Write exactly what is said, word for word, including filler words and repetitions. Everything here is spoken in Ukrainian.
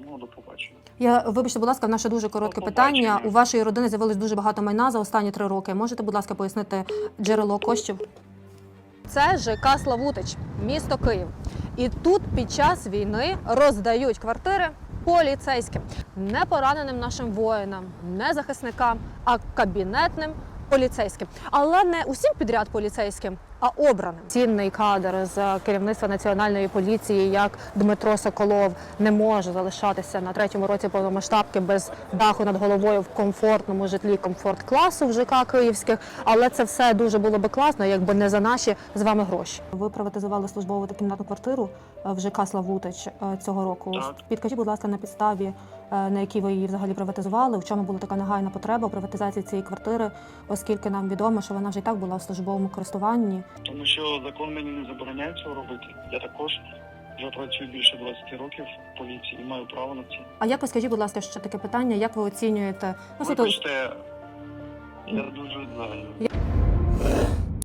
Тому до побачення. Я, вибачте, будь ласка, в наше дуже коротке До питання. побачення. У вашої родини з'явилось дуже багато майна за останні три роки. Можете, будь ласка, пояснити джерело коштів? Це ЖК Славутич, місто Київ. І тут під час війни роздають квартири поліцейським. Не пораненим нашим воїнам, не захисникам, а кабінетним поліцейським. Але не усім підряд поліцейським, а обраним. Цінний кадр з керівництва Національної поліції, як Дмитро Соколов, не може залишатися на третьому році повномасштабки без даху над головою в комфортному житлі комфорт-класу в ЖК київських. Але це все дуже було би класно, якби не за наші з вами гроші. Ви приватизували службову та кімнатну квартиру в ЖК Славутич цього року. Так. Підкажіть, будь ласка, на підставі, на якій ви її взагалі приватизували, в чому була така нагальна потреба у приватизації цієї квартири, оскільки нам відомо, що вона вже і так була в службовому користуванні. Тому що закон мені не забороняє цього робити. Я також вже працюю більше двадцяти років в поліції і маю право на це. А як ви, скажіть, будь ласка, ще таке питання, як ви оцінюєте? Ну, суто- Вибачте, я дуже зайнятий.